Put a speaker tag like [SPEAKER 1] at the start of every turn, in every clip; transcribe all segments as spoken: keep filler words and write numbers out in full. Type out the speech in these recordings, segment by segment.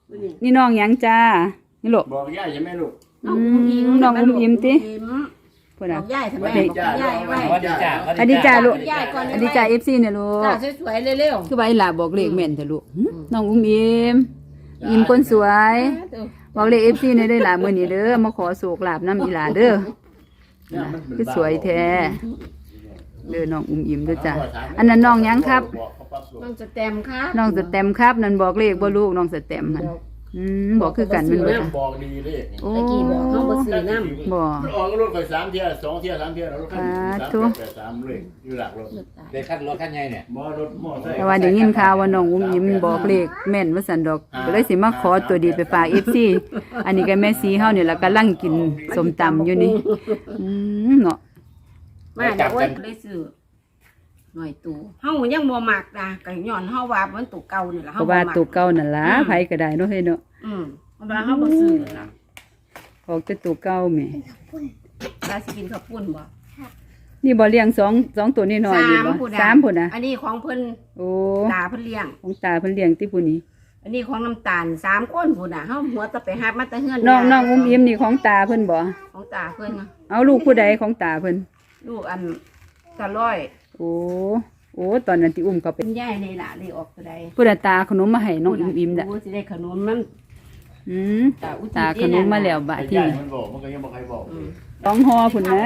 [SPEAKER 1] นี่น้องหยังจ้านี่ลูก
[SPEAKER 2] บอกย่าใช่ไหมลูก
[SPEAKER 1] น้องอุ้มยิ้มติพูดนะ
[SPEAKER 3] ย่ายทำไมย่ายไว้
[SPEAKER 2] อดีจ้า
[SPEAKER 1] อดีจ้าลูกอดีจ้า
[SPEAKER 3] เอ
[SPEAKER 1] เอฟซีเนี่ยลูก
[SPEAKER 3] สวยๆเร็ว
[SPEAKER 1] คือใบหลาบอกเลขแม่นเถอะลูกน้องอุ้มยิ้มยิ้มคนสวยบอกเลขเอฟซีเนี่ยได้หลามื้อนี้เด้อมาขอโศกลาบน้ำอีหลาเด้อคือสวยแท้เด้อน้องอุ้มยิ้มเด้อจ้าอันนั้นน้องหยังครับ
[SPEAKER 3] น้องสแตมครับ
[SPEAKER 1] น้องสแตมครับนั่นบอกเลขบ่ลูกน้องสแตมนั่นอืมบอกคือกันมันบ่
[SPEAKER 2] บอกดีเลย
[SPEAKER 1] โอ้
[SPEAKER 3] ตะกี้บอกเฮาบ่ซื้อน้ำ
[SPEAKER 1] บ่
[SPEAKER 2] ออกรถไปสามเที่ยวสองเที่ยวสามเที่ยวแล้วรถคันสามเลยอยู่หลักรถ
[SPEAKER 4] ได้ขั้นรถขั้นใหญ่เนี่ย
[SPEAKER 2] บ่รถมอไซค์
[SPEAKER 1] แต่ว่าได้ยินข่าวว่าน้องอุ้มยิ้มบอกเลขแม่นว่าซั่นดอกก็เลยสิมาขอตัวดีไปฝาก เอฟ ซี อันนี้ก็แม่สีเฮานี่ล่ะกำลังกินส้มตำอยู่นี่อืมเนาะ
[SPEAKER 3] มาเดี๋ยวได้ซื้อหน่อยตู่เฮายังบ่มักนะก็ย้อนเฮาว่ามันตู่เก่านี่ล่ะเฮา
[SPEAKER 1] บ่ว่าตู่เก่านั่นล่ะไผก็ได้เนาะเฮ้ยเนาะ
[SPEAKER 3] อืมเพราะว่าเฮาบ่ซื้อน่ะ
[SPEAKER 1] ออกแต่ตู่เก่าแม่
[SPEAKER 3] ว่าสิกินข้าวปุ้นบ่
[SPEAKER 1] นี่บ่เลี้ยงสอง สองตัวนี่น้อยนี่บ่สามพุ่นน่ะ
[SPEAKER 3] อันนี้ของเพิ่น
[SPEAKER 1] โอ้
[SPEAKER 3] ตาเพิ่นเลี้ยง
[SPEAKER 1] ของตาเพิ่นเลี้ยงติผู้นี้
[SPEAKER 3] อันนี้ของน้ำตาลสามคนพุ่นน่ะเฮาหัวตะไปหามาแต่เฮือน
[SPEAKER 1] น้องน้องอุ้มยิ้มนี่ของตาเพิ่นบ่
[SPEAKER 3] ของตาเพิ่น
[SPEAKER 1] เอาลูกผู้ใดของตาเพิ่น
[SPEAKER 3] ลูกอันตาร้อย
[SPEAKER 1] โอ้โอ้ตอนนั้นที่อุ้มเขาเป็น
[SPEAKER 3] ยายในล่ะได้ออกตัวใด
[SPEAKER 1] ผู้ใดตาขนมมาให้น้องอิ่มๆน่ะ
[SPEAKER 3] โอ้สิได้ขนมมัน
[SPEAKER 1] อืมตาขนมมาแล้วบาดที่
[SPEAKER 2] มันบอกมันก็ยังบ่ใครบอก
[SPEAKER 1] ต้องห่อพุ่นนะ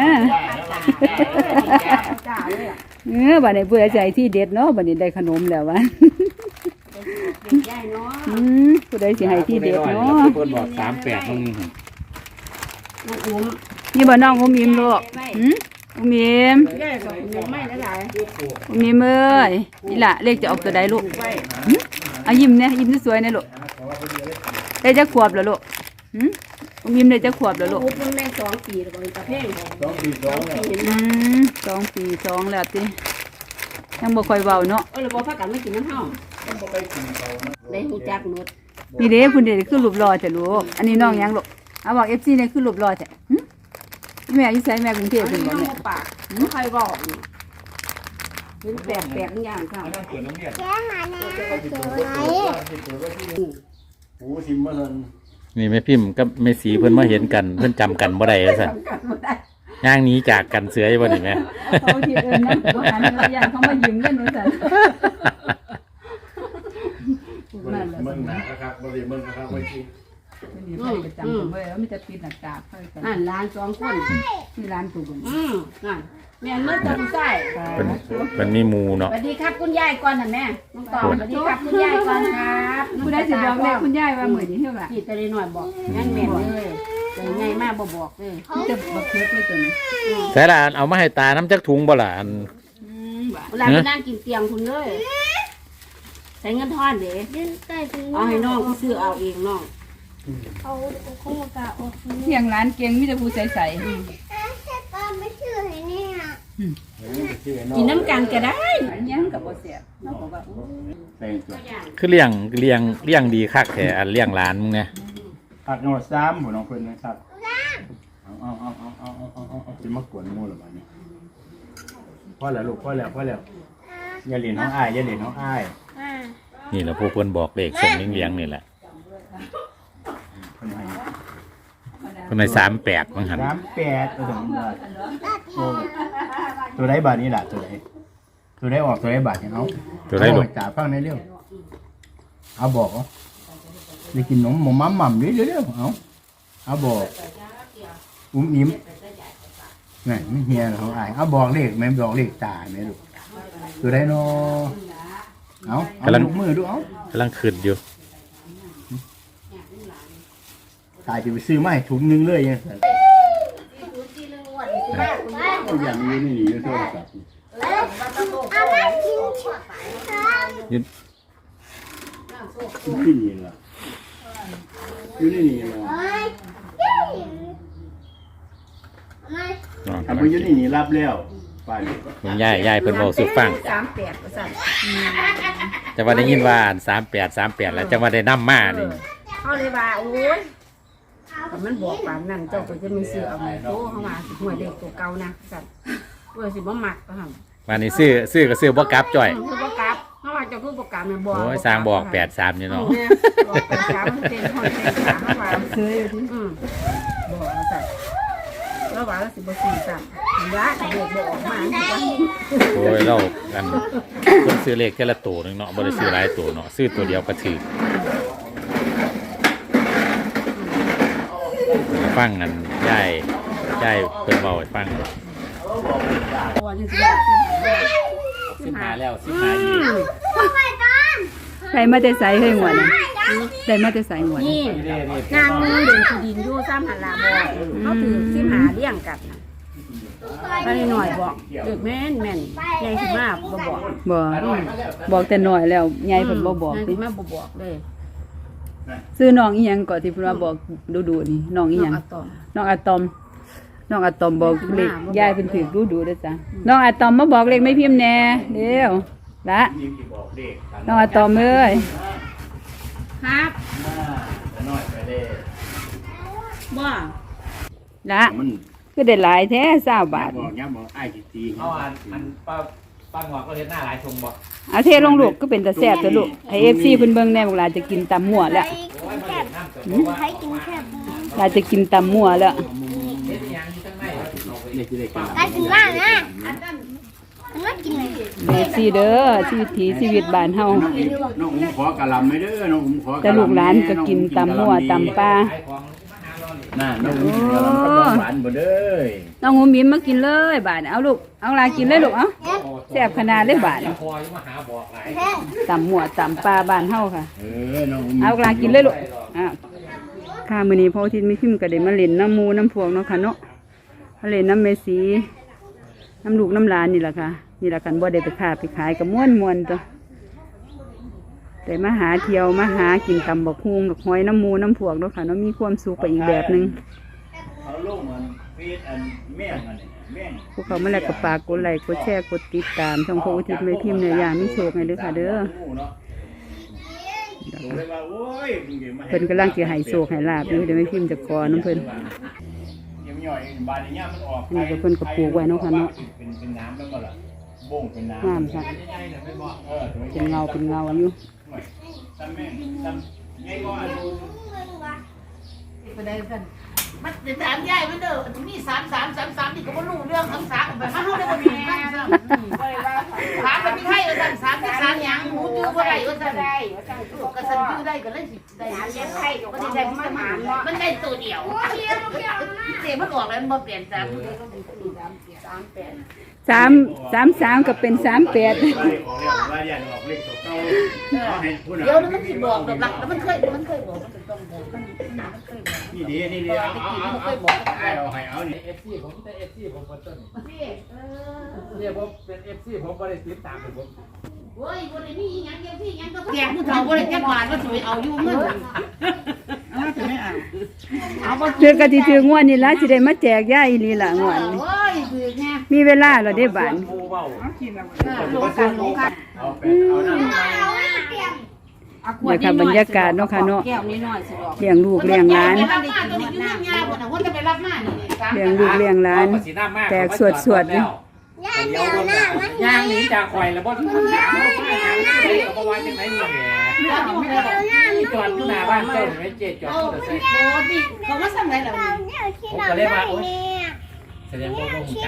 [SPEAKER 3] จ้าเลยอ่ะ
[SPEAKER 1] เออบัดนี้ผู้ใดใจที่เด็ดเนาะบัดนี้ได้ขนมแล้ววะ
[SPEAKER 3] ยายเนาะ
[SPEAKER 1] อืมผู้ใดสิให้ที่เด็ดเนาะ
[SPEAKER 4] เพิ่นบอกสามแปดตรงนี้
[SPEAKER 3] น้องอุ้ม
[SPEAKER 1] นี่บ่น้องอุ้มอิ่มลูกหืมอุ้มอิ่ม
[SPEAKER 3] ยายก็อุ้มไม่ได้หลาย
[SPEAKER 1] อุ้มอิ่มเอ้ยนี่ล่ะเลขจะออกตัวใดลูกเอายิ้มเนี่ยยิ้มสวยๆนะลูกได้จักขวบแล้วลูกหืมอุ้มยิ้มได้จักขวบแล้วลูก
[SPEAKER 3] อุ้มได้สองปีแล้วก็ตะเพ่ง
[SPEAKER 2] สองปีสอง
[SPEAKER 1] อืมสองปีสองแล้วติยังบ่ค่อยเว้าเนาะ
[SPEAKER 3] เออแล้วบ่พากันมากินน้ำเฮาได้ฮู้จักหมด
[SPEAKER 1] นี่เด้พุ่นเด้คือรูปหล่อแต่ลูกอันนี้น้องหยังลูกเอาบอก เอฟ ซี เนี่ยคือรูปหล่อแท้หึแม่อยู่ไสแม่กรุงเทพฯเพิ่นบ่แม่
[SPEAKER 3] ปากบ่ใครบอกเป็นแปลกๆอย่างค่ะ
[SPEAKER 2] แค่หาแน่โอ้สิมาซั่น
[SPEAKER 4] นี่แม่พิมพ์กับแม่สีเพิ่นมาเห็นกันเพิ่นจำกันบ่ได้ว่าซั่นย่างนี้จากกันเสืออยู่บ่นี่แม่
[SPEAKER 1] เขาที่เอิ้นนำบ่หันแล้วย่างเขามายิ้มกันว่าซั่น
[SPEAKER 2] มึงหนาครับบ่ได้มึงครับไว้ที่
[SPEAKER 1] นี่ไปประจำเพิ่นเว้ยมีแต่ปิดหน้ากากเพิ่น
[SPEAKER 3] นั่นหลานสองคน
[SPEAKER 1] มีร้านตู่บ่
[SPEAKER 3] อืมนั่นแม่นมื้อตะผู้ใส่
[SPEAKER 4] เพิ่นเพิ่นมีหมู่เนาะ
[SPEAKER 3] สวัสดีครับคุณยายก่อนน่ะแม่น้องตองสวัสดีครับคุณยายก่อนครับ
[SPEAKER 1] ผู้ใดสิบอกแม่คุณยายว่ามื้อนี้เท่าล่ะ
[SPEAKER 3] พี่ตะได้น้อยบอกงั้นแม่เลยใจใหญ่มากบ่บอกเลย
[SPEAKER 1] จะบักเทือกเลยตัวนี้
[SPEAKER 4] แต่ละอันเอามาให้ตาน้ำจักถุงบ่ล่ะอัน
[SPEAKER 3] เวลาไปนั่งกินเตียงคุณเลยใส่เงินทอนเด้เอาให้น้องกูซื้อเอาเองน้อง
[SPEAKER 1] เอาข้าวกะออกเที่ยงร้านเก่งมีแต่ผู้ใสๆ
[SPEAKER 5] ไม่ชื่อให้เนี่ย
[SPEAKER 3] กินน้ำกันก็ได้
[SPEAKER 1] ยังกับบ่เสียน้องบอกว่า
[SPEAKER 4] คือเลี้ยงเลี้ยงเลี้ยงดีคักแท้อันเลี้ยงหลานมึงเนี่ย
[SPEAKER 2] ผักนอสามบ่น้องเพิ่นนะครับเอาเอาเอาเอาเอาเอาเอาเอาสิมากวนหมู่ล่ะบัดนี้พอแล้วลูกพอแล้วพอแล้วอย่าเล่นน้องอ้ายอย่าเล่นน้องอ้าย
[SPEAKER 4] นี่แหละพวกเพิ่นบอกเลขส่งเลี้ยงๆนี่แหละคนในสามแปดมั้งหัน
[SPEAKER 2] สามแปดตัวถึงตัวได้บาทนี้แหละตัวได้ตัวได้ออกตัวได้บาทเนี่ยเอา
[SPEAKER 4] ตัวได้หลบ
[SPEAKER 2] จ่าฟังในเรื่องเอาบอกเอาได้กินนมหม่ำหม่ำเรื่อยๆเอาเอาบอกอุ้มอิ่มไงไม่เฮียเขาอายเอาบอกเลขแม่บอกเลขจ่าแม่ลูกตัวได้นอเอาเอาลูกมือดูเอา
[SPEAKER 4] กำลังขึ้นอยู่
[SPEAKER 2] ตายจะไปซื้อไม้ถุงนึงเลยยังอย่างนี้นี่นี่โทรศัพท์
[SPEAKER 4] ยืน
[SPEAKER 2] ที่นี่ล่ะอยู่นี่นี่ล่ะทำไปอยู่นี่นี่รับแล้วไป
[SPEAKER 4] คุณยายยายเพิ่นบอกสุฟัง
[SPEAKER 3] สามแปดว่าซั่น
[SPEAKER 4] จะว่าได้ยินว่าสามแปด สามแปดแล้วจะว่าได้นำมานี่
[SPEAKER 3] เฮาเลยว่าโอ้ยแต่มันบอกปานนั้นเจ้าก็จะมีซื้อเอามาโตเข้ามาสิหวยเด็กตัวเก่านะสั่นเพื่อสิบ่มักก็หั่น
[SPEAKER 4] วันนี้ซื้อซื้อก็ซื้อบ่กลับจ่อย
[SPEAKER 3] ซื้อบ่กลับเพราะว่าเจ้าคือประกาศแม่บอก
[SPEAKER 4] โอ้ยสร้างบอกแปดสามอยู่เนาะ
[SPEAKER 3] บอกแปดสามเซนหอยเซนสามว่า
[SPEAKER 1] เคยอยู่ที่
[SPEAKER 3] อืมบอกว่าสั่นแล้วว่าแล้วสิบ่สี่สั่นย้าจะเด็กบอกออกมาสิว่า
[SPEAKER 4] โอ้ยเราอันคนซื้อเลขแค่ละตัวหนึงเนาะบ่ได้ซื้อหลายตัวเนาะซื้อตัวเดียวก็ถือฟังกันย่ายย่ายเพิ่นเว้าให้ฟัง
[SPEAKER 3] ตัวนี้สิว่า
[SPEAKER 4] สิบห้าแล้วสิบห้าอีก
[SPEAKER 1] ใครมาแต่ใส่ให้หวดน่ะได้มาแต่ใส่หวด
[SPEAKER 3] นี่นางมือเดินที่ดินอยู่ซ้ำหันลาบอกเขาถือสิหาเลี้ยงกันน่ะไปหน่อยบอกเด็กแม่นแม่นใหญ่ขึ้นมากบ่บอก
[SPEAKER 1] บ่บอกแต่น้อยแล้วใหญ่เพิ่นบ่บอก
[SPEAKER 3] ใหญ่
[SPEAKER 1] ติ
[SPEAKER 3] ขึ้นมากบ่บอกเลย
[SPEAKER 1] ซื้อน้องอีหยังก่อนที่เพิ่นว่าบอกดูๆนี่น้องอีหยัง
[SPEAKER 3] น้องอะตอม
[SPEAKER 1] น้องอะตอมน้องอะตอมบอกเลข
[SPEAKER 3] มาบอก
[SPEAKER 1] ยายเพิ่นถือดูๆเด้อจ้ะน้องอะตอมมาบอกเลขไม่พิมพ์แน่เร็วละน้องอะตอมเอ้ย
[SPEAKER 3] ครับบ่
[SPEAKER 1] ละ
[SPEAKER 2] มัน
[SPEAKER 1] คือได้หลายแท้เก้าบาท
[SPEAKER 2] บอกย้ำบอกไอ้สิตี
[SPEAKER 4] เอาอันอันป้าป้างอกก็เฮ็ดหน้าหลายชงบ่
[SPEAKER 1] เอาเทลงลูกก็เป็นตาแซ่บตัวลูกให้ เอฟ ซี เพิ่นเบิ่งแน่บอกหลานจะกินตำมั่วแล้ว
[SPEAKER 5] ใครกินแค่
[SPEAKER 1] หลานจะกินตำมั่วแล้ว
[SPEAKER 2] เด็กจะได้กัน
[SPEAKER 5] ใครกินล่างนะมันไม่กินเลย
[SPEAKER 1] เอฟ ซี เด้อชีวิตถีชีวิตบ้านเฮา
[SPEAKER 2] น้องอุ้มขอกะลำไม่เด้อน้องอุ้มขอกะลำ
[SPEAKER 1] แต่ลูกหลานก็กินตำมั่วตำปลา
[SPEAKER 2] น่าน้องอุ้มกะลำกับหวานบ่เด้อ
[SPEAKER 1] น้องหูมิมมากินเลยบาดเอาลูกเอาหลานกินเลยลูกเอ้าแซ่บขนาดเลยบาด
[SPEAKER 4] พออยู่มาหาบอกหลาย
[SPEAKER 5] แค่
[SPEAKER 1] ตำมั่วตำปลาบ้านเฮาค่ะ
[SPEAKER 2] เออน้องอุ้ม
[SPEAKER 1] เอาหลานกินเลยลูกอ้าวค่ะมื้อนี้พ่ออาทิตย์มีพิมพ์ก็ได้มาเล่นน้ำหมูน้ำพวกเนาะค่ะเนาะมาเล่นน้ำเมสีน้ำลูกน้ำหลานนี่แหละค่ะนี่แหละกันบ่ได้ไปค้าไปขายก็ม่วนๆตัวแต่มาหาเที่ยวมาหากินตำบักฮุงดอกหอยน้ำหมูน้ำพวกเนาะค่ะเนาะมีความสุขไปอีกแบบหนึง
[SPEAKER 2] เขาลงมันเฟซอันแม่งอันนี้แม่ง
[SPEAKER 1] พวกเขามาแล้วก็ฝากกดไลค์กดแชร์กดติดตามช่องพระอุทิศไม่พิมพ์เนื้อย่างมีโชคให้เด้อค่ะเด้อเพิ่นกำลังจะให้โชคให้ลาบอยู่เดี๋ยวไม่พิมพ์จะกอน้ำเพิ่น
[SPEAKER 2] ยังย่อยบานอย่างเงี้ยมันออก
[SPEAKER 1] อันนี้ก็เพิ่นก็ปลูกไว้เนาะค่ะเนาะ
[SPEAKER 2] เป็นเป็นน้ำแล้วก็ล่ะบ่งเป็นน้ำ
[SPEAKER 1] งามค่ะ
[SPEAKER 2] เออ
[SPEAKER 1] เป็นเงาเป็นเงาอยู่
[SPEAKER 2] ซ้ำแม่งซ้ำไงก็อัน
[SPEAKER 3] ไปได้กันมันจะถามยายมันเด้อนี่สามสามสามสามนี่ก็บ่รู้เรื่องทั้งสามไปมาเฮาได้บ่มีกันซ้ำถามมันมีให้ว่าซั่นสามสามหยังหมูจื้อบ่ได้ว่าซั่นได้ว่าซั่นก็ซั่นจื้อได้ก็เลยสิได้เลี้ยงไข่ก็ได้ได้มันมามันได้ตัวเดียวเจ๊มันออกแล้วมันบ่เปลี่ยนซ้ำสามแปด
[SPEAKER 1] สามสามสามก็เป็นสามแปด
[SPEAKER 2] ว่าอย่างออกเลขตัวเก่าเอาให้พูด
[SPEAKER 3] เดี๋ยวมันสิบอกดอกหลักแล้วมันเคยมันเคยบอกมันต้องบอกมันเคยบอก
[SPEAKER 2] นี่ดีนี่ดีเอาเอาเอาเอาให้เอานี่
[SPEAKER 4] เอฟซีผมแต่เอฟซีผมบ่ต้น
[SPEAKER 3] พี่เออ
[SPEAKER 4] เนี่ยผมเป็นเอฟซีผมบ่ได้ติดตามผม
[SPEAKER 3] โอ้ยบ่ได้มีหยังเกี่ยวที่หยังก็แจกผู้เฒ่าบ่ได้จักบาทว่าสิเอาอยู่เงินเอาสิไม่เอาเอาบ่
[SPEAKER 1] เทือกะที่ถืองวดนี่ล่ะสิได้มาแจกย่าอีหลีล่ะงวดนี้
[SPEAKER 3] โอ้ยคือแน่
[SPEAKER 1] มีเวลาแล้วได้บาน
[SPEAKER 4] หมู่เว้า
[SPEAKER 3] ลงกันลงกัน
[SPEAKER 2] เอาไปเอาน้ำ
[SPEAKER 5] เอาเตรียม
[SPEAKER 1] เนี่ยค่ะบรรยากาศเนาะค่ะเนาะ
[SPEAKER 3] แก้วนิดหน่อยสิบอก
[SPEAKER 1] เลี้ยงลูกเลี้ยงหลาน
[SPEAKER 3] ไปรับมาตัวนี้อยู่เงินยาบ่น่ะว่าจะไปรับมานี่สาม
[SPEAKER 1] เลี้ยงลูกเลี้ยงหลาน แตกสวดๆนี่
[SPEAKER 5] ย่าเดี๋ยวหน้ามัน
[SPEAKER 4] ย่างหนีจากข่อยแล้วบ่ถึงถามว่าไปหยังไดก็บ่ว่าจังได๋นี่แหละนี่จอดอยู่หน้าบ้านเจ้านี่เจ๊จอด
[SPEAKER 3] โอ้
[SPEAKER 4] อยู่
[SPEAKER 3] โห
[SPEAKER 4] แต่
[SPEAKER 3] นี่เขามาสั่งไหนแล้วนี่
[SPEAKER 5] เดี๋ยวที่เราไม่เนี่ย
[SPEAKER 4] แสดงว่าบ่ฮู้จัก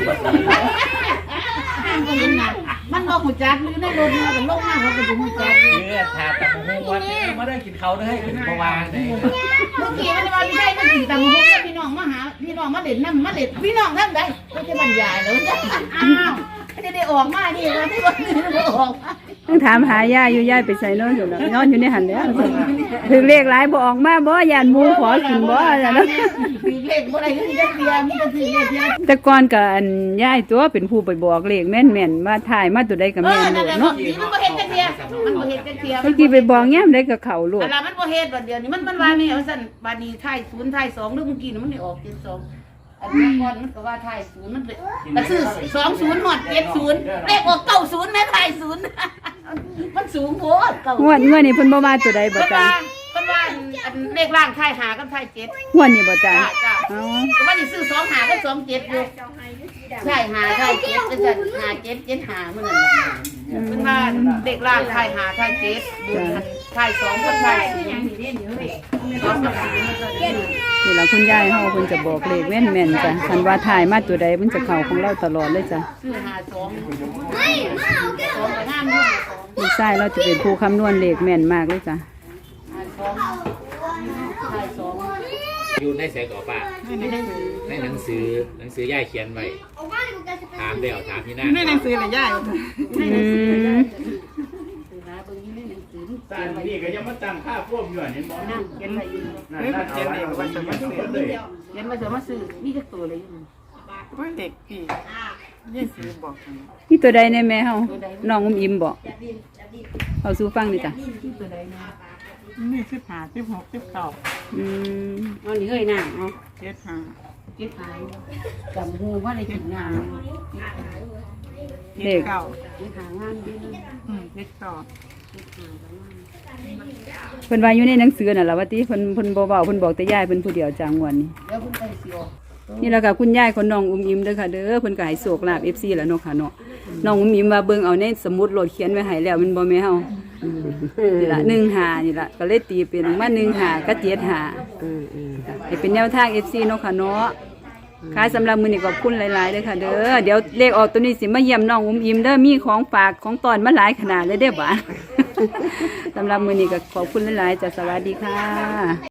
[SPEAKER 3] มันบอกหูจักหรือในรถเนี่ยเป็นโรคมากเขาเป็นหูจัก
[SPEAKER 4] เนื้อทาตะมูฮู้ว่ามาได้กินเขาเด้อให้กินบ่ว่าได้
[SPEAKER 3] เมื่อกี้มันว่าไม่ใช่มันกินแต่หมูพี่น้องมาหาพี่น้องมาเด็ดน้ำมาเด็ดพี่น้องทำได้ก็จะบรรยายแล้วอ้าวจะได้ออกมาดิว่าที่วันนี้มันออกมา
[SPEAKER 1] ต้องถามหาย่าอยู่ย่าไปใส่นอนอยู่แล้วนอนอยู่ในหันแล้วถึงเลขหลายบ่ออกมาบ่ยานหมูขอกินบ่จ้ะเนาะ
[SPEAKER 3] คือเลขบ่ได้คือจะเตียมีแต่คือเลขเดียว
[SPEAKER 1] แต่ก่อนก็อันย่ายตัวเป็นผู้ไปบอกเลขแม่นๆว่าถ่ายมาตัวใดก็
[SPEAKER 3] เอ
[SPEAKER 1] แม่
[SPEAKER 3] อน
[SPEAKER 1] โล
[SPEAKER 3] นั่น
[SPEAKER 1] ด
[SPEAKER 3] แหละ
[SPEAKER 1] เนาะ
[SPEAKER 3] มันบ่เห็นจักเทียมันบ่เห็นจักเทีย
[SPEAKER 1] เมื่อกี้ไปบอกแง้มได้ก็เข้าโลด
[SPEAKER 3] อะไรมันบ่เฮ็ดบัดเดียวนี้มันมันว่านี่เอาซั่นบัดนี้ท้ายศูนย์ท้ายสองหรือเมื่อกี้มันได้ออกเจ็ดสองอันนี้ก่อนมันก็ว่าท้ายศูนย์มันเลยก็ซื้อสองศูนย์ฮอดเจ็ดศูนย์เลขออกเก้าศูนย์แม่ท้ายศูนย์มันสูงโพดเก้าง
[SPEAKER 1] วดงวดนี้เพิ่นบ่มาตัวใดบ่
[SPEAKER 3] เพิ่น
[SPEAKER 1] จ้า
[SPEAKER 3] ว่าเพิ่นว่าอันเลขล่างท้ายหากับท้ายเจ็ด
[SPEAKER 1] งวดนี้บ่จ้า
[SPEAKER 3] จ้าจ้า
[SPEAKER 1] อ๋อ
[SPEAKER 3] ก็ว่าสิซื้อสองหากับสองเจ็ดอยู่ใช่หาท้ายเจ็ดจังซั่นหาเจ็ดเจ็ดหามื้อนั้นน่ะเพิ่นว่าเด็กล่างถ่ายหาถ่ายเจ็ดบุญถ่ายสองคนถ่ายสี่อย่างนี้เดี๋ยวเลยสองกับสี่มันก็ได้
[SPEAKER 1] นี่ล่ะคุณยายเฮาเพิ่นจะบอกเลขแม่นแม่นๆจ้ะคันว่าถ่ายมาตัวใดเพิ่นจะเข้าของเราตลอดเลยจ้ะ
[SPEAKER 3] ซื้อหาสองสองกับห้ามือสอง
[SPEAKER 1] ลูกชายเราจะเป็นผู้คำนวณเลขแม่นมากเลยจ้ะ
[SPEAKER 3] หาสองถ่ายสอง
[SPEAKER 4] อยู่ในแสงต่อป้า
[SPEAKER 3] ไม่ได้ซื้อ
[SPEAKER 4] ในหนังสือหนังสือย่ายเขียนไว้ถามเดี๋ยวถามที่หน้า
[SPEAKER 3] ไม่ได้ซื้อเลยย่าย
[SPEAKER 1] อืม
[SPEAKER 3] หาเบิ่งนี่ในหนังสือ
[SPEAKER 2] ตานี่ก็ยังมาตั้งค่าพวกอยู่อันนี้บ่
[SPEAKER 3] นั่งเขียนอะไรอยู่
[SPEAKER 2] นั่นนั่นเอาไว้เอาไว้มันทุกคนเลย
[SPEAKER 3] เขียนมาจะมาซื้อมีจักตัวเลยอยู่
[SPEAKER 6] ว่าเด็กพี่ยี่สิบบอก
[SPEAKER 1] นี่ตัวใดในแม่เฮาน้องอุ้มอิ่มบอกเอาสู่ฟังดิจ้ะ
[SPEAKER 3] ตัวใดนะ
[SPEAKER 6] นี่สิบห้าสิบหกสิบเก้า
[SPEAKER 1] อืม
[SPEAKER 3] เอานี่เอ้ยน่ะเนาะ
[SPEAKER 6] เจ็ดห้า
[SPEAKER 3] เก็บหายจำหูว่าได้กินงาน
[SPEAKER 6] เจ็ดเก้า
[SPEAKER 3] เก็บหางานดีนะ
[SPEAKER 6] อืมเจ็ดเก้า
[SPEAKER 1] เพิ่นว่าอยู่ในหนังสือน่ะล่ะว่าติเพิ่นเพิ่นบ่เว้าเพิ่นบอกแต่ยายเพิ่นผู้เดียวจังงวนนี้
[SPEAKER 3] เดี๋ยวคุณไปสิออก
[SPEAKER 1] นี่แหละค่ะคุณยายคนน้องอุ้มอิ่มเด้อค่ะเด้อเพิ่นก็ให้โชคลาภ เอฟ ซี แล้วเนาะค่ะเนาะน้องอุ้มอิ่มว่าเบิ่งเอาในสมุดโหลดเขียนไว้ให้แล้วมันบ่แม่เฮานี่ล่ะหนึ่งห้านี่ล่ะก็เลยตีเป็นมาหนึ่งห้ากับเจ็ดห้าให้เป็นแนวทาง เอฟ ซี เนาะค่ะเนาะค่ะสำหรับมื้อนี้ขอบคุณหลายๆเด้อค่ะเด้อเดี๋ยวเลขออกตัวนี้สิมาเยี่ยมน้องอุ้มอิ่มเด้อมีของฝากของตอนมาหลายขนาดเลยเด้อบ่า สำหรับมื้อนี้ก็ขอบคุณหลายๆจ้ะสวัสดีค่ะ